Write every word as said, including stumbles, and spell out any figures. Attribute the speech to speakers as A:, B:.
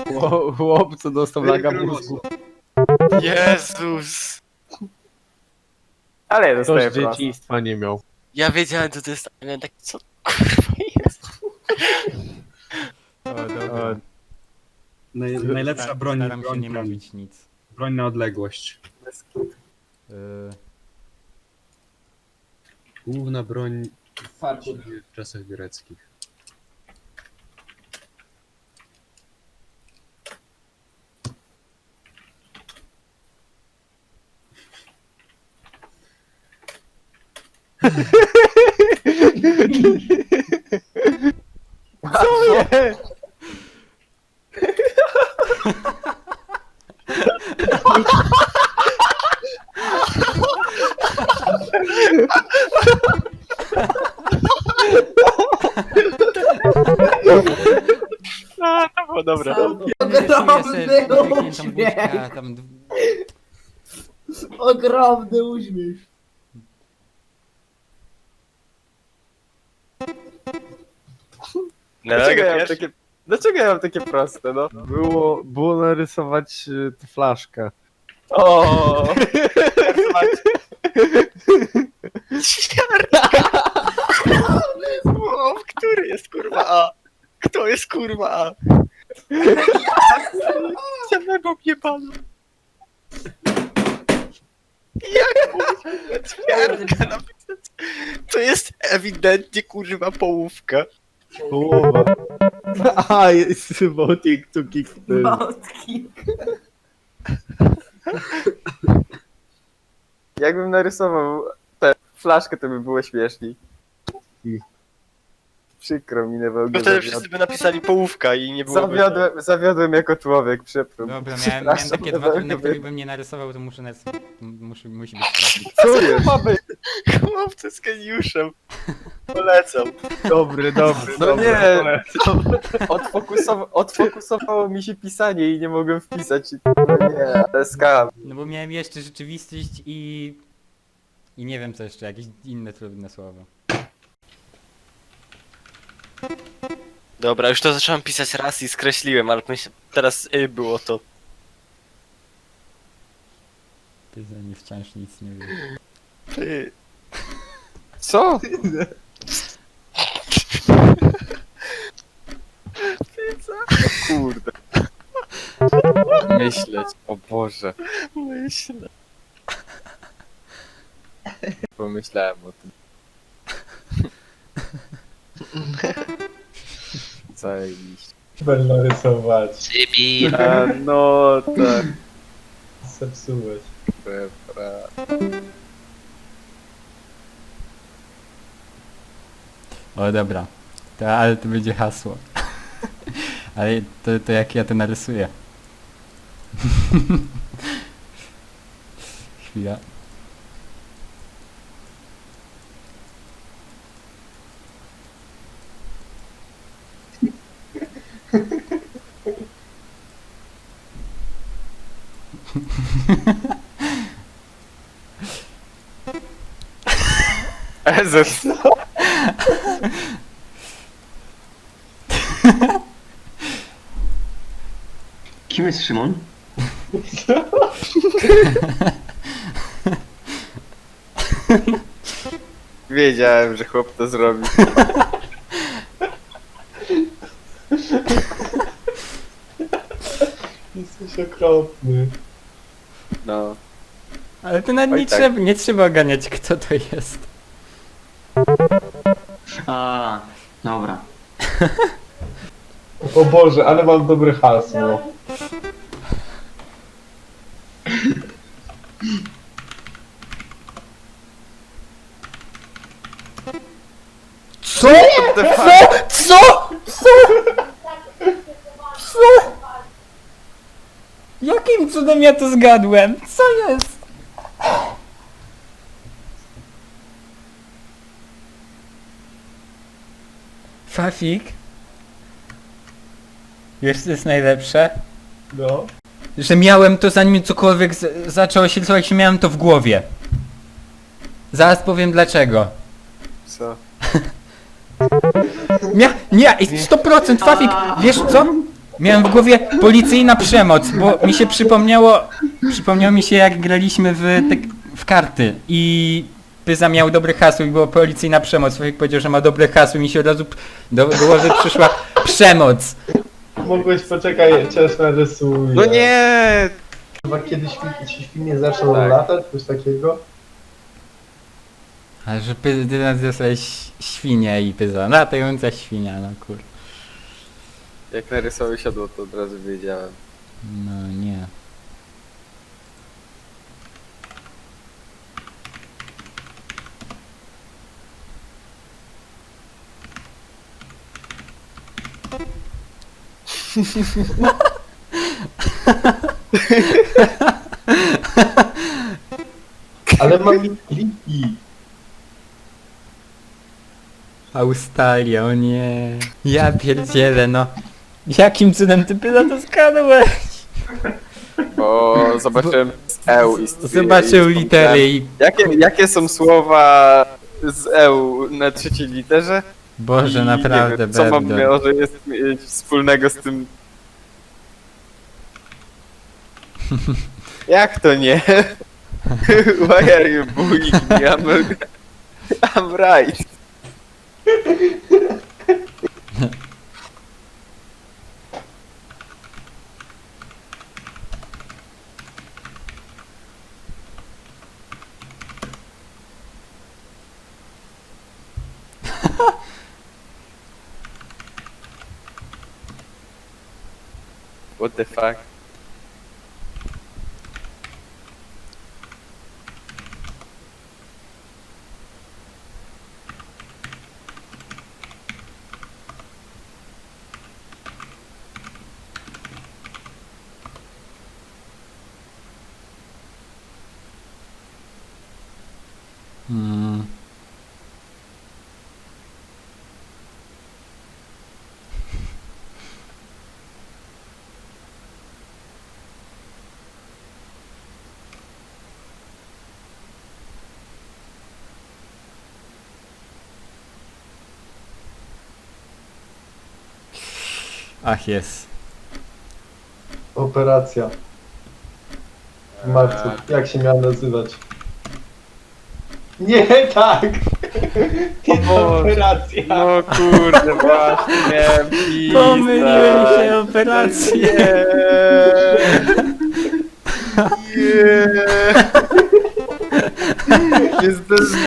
A: Chłop, chłop co dostał laga mózgu.
B: Jezus!
C: Ale ja
A: Ktoś
C: dostaję prosto.
A: dzieciństwa nie miał.
B: Ja wiedziałem, co to jest, ale tak, co kurwa jest?
D: O, dobra.
E: Naj, najlepsza
D: Sta-
E: broń,
D: Staram się
E: broń,
D: nie
E: broń,
D: mówić nic.
E: broń na odległość.
D: Yy,
E: Główna broń w czasach greckich.
A: Co jest?
B: A, to było dobre.
D: Ogromny uśmiech! Tam... d-
F: Ogromny uśmiech.
B: No,
C: Dlaczego ja mam
B: pierwszy?
C: takie... Dlaczego ja mam takie proste, no?
A: Było, było narysować y, tę flaszkę.
C: O.
B: O, który jest kurwa A? Kto jest kurwa A? Samego mnie panu. Jak mówić ćwiartka napisać? To jest ewidentnie kurwa połówka.
A: Połowa. A, jest voting to kick the...
F: Małtki.
C: Jakbym narysował tę flaszkę, to by było śmieszniej. Przykro mi,
B: Bo
C: Newełgę.
B: wtedy wszyscy by napisali połówka i nie byłoby...
C: Zawiodłem, zawiodłem jako człowiek, przepraszam.
D: Dobra, miałem, miałem
C: Przepraszam,
D: takie dwa,
C: Newełgę.
D: na których bym nie narysował, to muszę narysować. Musi, musi być trafik.
C: Co jest? Ma być?
B: Chłopcy z geniuszem. Polecam.
A: Dobry, dobry,
C: No
A: dobry.
C: nie.
A: polecam.
C: Odfokusowa odfokusowało mi się pisanie i nie mogłem wpisać. No nie, ale skam.
D: No bo miałem jeszcze rzeczywistość i... I nie wiem co jeszcze, jakieś inne trudne słowo.
B: Dobra, już to zacząłem pisać raz i skreśliłem, ale myśl... teraz y, było to.
D: Ty za mnie wciąż nic nie wiesz.
B: Ty.
C: Co? Kurde. Myśleć, o Boże.
B: Myślę.
C: Pomyślałem o tym. Zajebiście.
G: Będę narysować.
B: Cybi.
C: A, no tak.
G: Zepsułeś.
C: Dobra.
D: O dobra. To, ale to będzie hasło. Ale to, to jak ja to narysuję. Chwila.
C: Jezus.
F: Kim jest Szymon?
C: Wiedziałem, że chłop to zrobi.
G: Jesteś okropny.
C: No.
D: Ale to nawet
C: Oj,
D: nie,
C: tak.
D: trzeba, nie trzeba oganiać kto to jest.
F: A, dobra.
G: O Boże, ale mam dobre hasło.
D: Co?
C: Co?
D: Co? Co? Co? Jakim cudem ja to zgadłem? Co jest? Fafik? Wiesz co jest najlepsze?
G: No.
D: Że miałem to zanim cokolwiek z- zaczęło się rysować, miałem to w głowie. Zaraz powiem dlaczego.
C: Co?
D: Mia nie, sto procent Fafik, wiesz co? Miałem w głowie policyjna przemoc, bo mi się przypomniało, przypomniało mi się jak graliśmy w, te, w karty i Pyza miał dobre hasło i było policyjna przemoc. Człowiek powiedział, że ma dobre hasło i mi się od razu do do głowy przyszła przemoc.
G: Mogłeś poczekaj, cię narysuję.
C: No nie!
G: Chyba kiedyś świn- ci świnie zaczną
C: Tak.
G: latać, coś takiego?
D: A że Pyza, ty nazywałeś świnię i Pyza, latająca świnia, no kur...
C: Jak narysował siodło, to od razu wiedziałem.
D: No nie.
G: Ale mam kliki.
D: Australia, o nie. Ja pierdzielę, no. Jakim cudem ty Pyza to skadłeś?
C: Bo zobaczyłem z EU i z
D: Zobaczył
C: i z-
D: litery i...
C: Jakie, jakie są słowa z EU na trzeciej literze?
D: Boże,
C: I
D: naprawdę,
C: nie wiem, co mam
D: Berdor.
C: może jest mieć wspólnego z tym... Jak to nie? Why are you bullying me? I'm, I'm right. What the fuck?
D: Mm. Ach, jest.
G: Operacja. W marcu. Jak się miała nazywać? Nie tak! Nie ta
C: Boże.
G: operacja!
C: No kurde, właśnie, pizza.
D: Pomyliłem się operację.
C: Nie. Nie. Nie zdążyłem.